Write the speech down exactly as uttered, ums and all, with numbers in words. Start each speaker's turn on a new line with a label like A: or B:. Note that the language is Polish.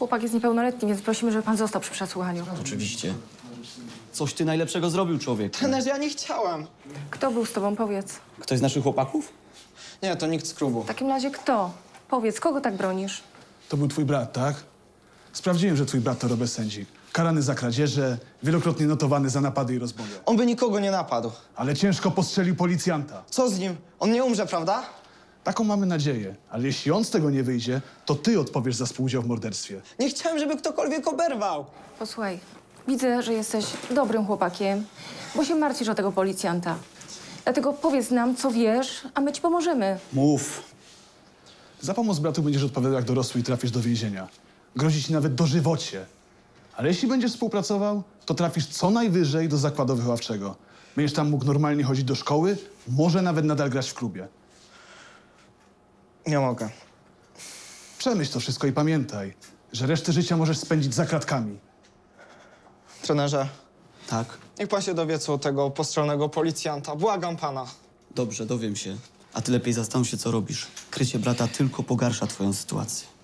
A: Chłopak jest niepełnoletni, więc prosimy, żeby pan został przy przesłuchaniu.
B: Oczywiście. Coś ty najlepszego zrobił, człowiek.
C: Trenerze, ja nie chciałem.
A: Kto był z tobą, powiedz?
B: Ktoś z naszych chłopaków?
C: Nie, to nikt z klubu.
A: W takim razie kto? Powiedz, kogo tak bronisz?
D: To był twój brat, tak? Sprawdziłem, że twój brat to Robert Sędzik. Karany za kradzieże, wielokrotnie notowany za napady i rozboje.
C: On by nikogo nie napadł.
D: Ale ciężko postrzelił policjanta.
C: Co z nim? On nie umrze, prawda?
D: Taką mamy nadzieję. Ale jeśli on z tego nie wyjdzie, to ty odpowiesz za współudział w morderstwie.
C: Nie chciałem, żeby ktokolwiek oberwał.
A: Posłuchaj, widzę, że jesteś dobrym chłopakiem, bo się martwisz o tego policjanta. Dlatego powiedz nam, co wiesz, a my ci pomożemy.
B: Mów.
D: Za pomoc bratu będziesz odpowiadał jak dorosły i trafisz do więzienia. Grozi ci nawet dożywocie. Ale jeśli będziesz współpracował, to trafisz co najwyżej do zakładu wychowawczego. Będziesz tam mógł normalnie chodzić do szkoły, może nawet nadal grać w klubie.
C: Nie mogę.
D: Przemyśl to wszystko i pamiętaj, że resztę życia możesz spędzić za kratkami.
C: Trenerze,
B: Tak?
C: niech pan się dowie, co u tego postrzelnego policjanta. Błagam pana.
B: Dobrze, dowiem się. A ty lepiej zastanów się, co robisz. Krycie brata tylko pogarsza twoją sytuację.